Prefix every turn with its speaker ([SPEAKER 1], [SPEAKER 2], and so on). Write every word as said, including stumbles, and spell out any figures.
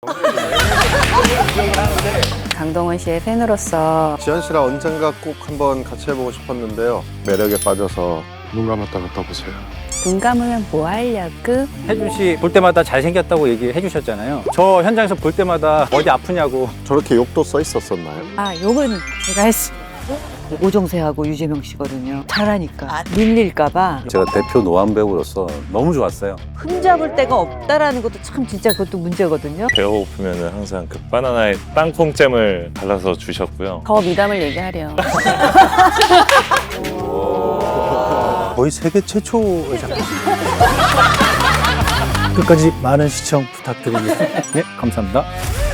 [SPEAKER 1] 강동원 씨의 팬으로서
[SPEAKER 2] 지현 씨랑 언젠가 꼭 한번 같이 해보고 싶었는데요. 매력에 빠져서
[SPEAKER 3] 눈 감았다 갔다 보세요.
[SPEAKER 1] 눈 감으면 뭐 하려고?
[SPEAKER 4] 혜준 씨 볼 때마다 잘생겼다고 얘기해 주셨잖아요. 저 현장에서 볼 때마다 어디 아프냐고.
[SPEAKER 2] 저렇게 욕도 써 있었었나요?
[SPEAKER 1] 아, 욕은 제가 했습니다.
[SPEAKER 5] 오정세하고 유재명 씨거든요. 잘하니까 밀릴까봐
[SPEAKER 6] 제가 대표 노안 배우로서 너무 좋았어요.
[SPEAKER 5] 흠잡을 데가 없다라는 것도 참 진짜 그것도 문제거든요.
[SPEAKER 7] 배고프면 항상 그 바나나에 땅콩잼을 발라서 주셨고요.
[SPEAKER 1] 더 미담을 얘기하렴.
[SPEAKER 6] 거의 세계 최초의 작품.
[SPEAKER 4] 끝까지 많은 시청 부탁드리겠습니다. 네, 감사합니다.